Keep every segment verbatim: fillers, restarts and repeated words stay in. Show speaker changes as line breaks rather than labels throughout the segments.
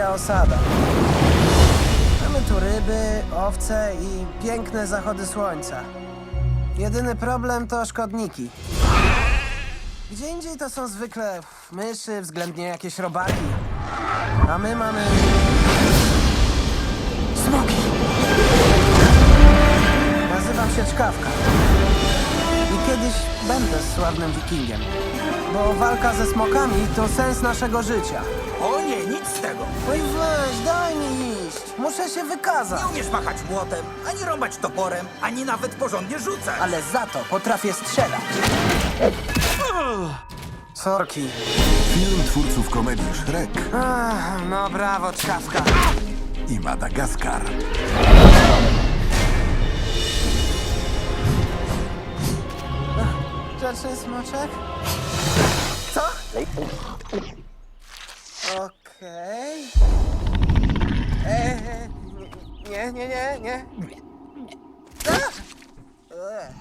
wielka osada. Mamy tu ryby, owce i piękne zachody słońca. Jedyny problem to szkodniki. Gdzie indziej to są zwykle myszy, względnie jakieś robaki. A my mamy... smoki! Nazywam się Czkawka. I kiedyś będę sławnym wikingiem. Bo walka ze smokami to sens naszego życia.
O nie, nic z tego.
Oj weź, daj mi iść. Muszę się wykazać.
Nie umiesz machać młotem, ani rąbać toporem, ani nawet porządnie rzucać.
Ale za to potrafię strzelać. Sorki.
Film twórców komedii Shrek
Ach, no brawo, Czkawka.
i Madagaskar.
Rzeczny smoczek? Co? Okej. Eee, nie, nie, nie, nie. A! Ech.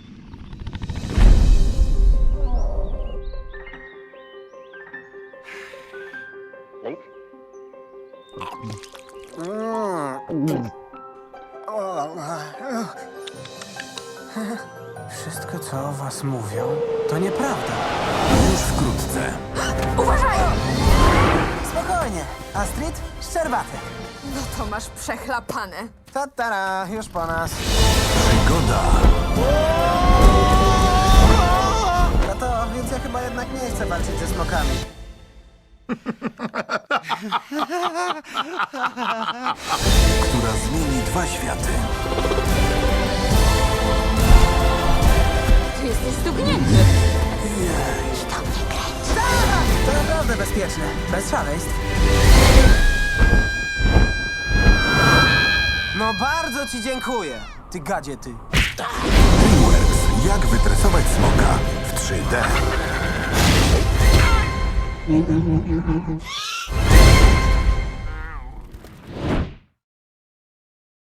Mm. O, wszystko, co o was mówią, to nieprawda.
Już wkrótce.
Spokojnie. Astrid, szczerbaty.
No to masz przechlapane.
Tatara, już po nas.
Przygoda
No to, więc ja chyba jednak nie chcę walczyć ze smokami.
która zmieni dwa światy.
Ty jesteś stuknięty.
To naprawdę bezpieczne. Bez szaleństw. No bardzo ci dziękuję, ty gadzie ty.
DreamWorks. Jak wytresować smoka w trzy D.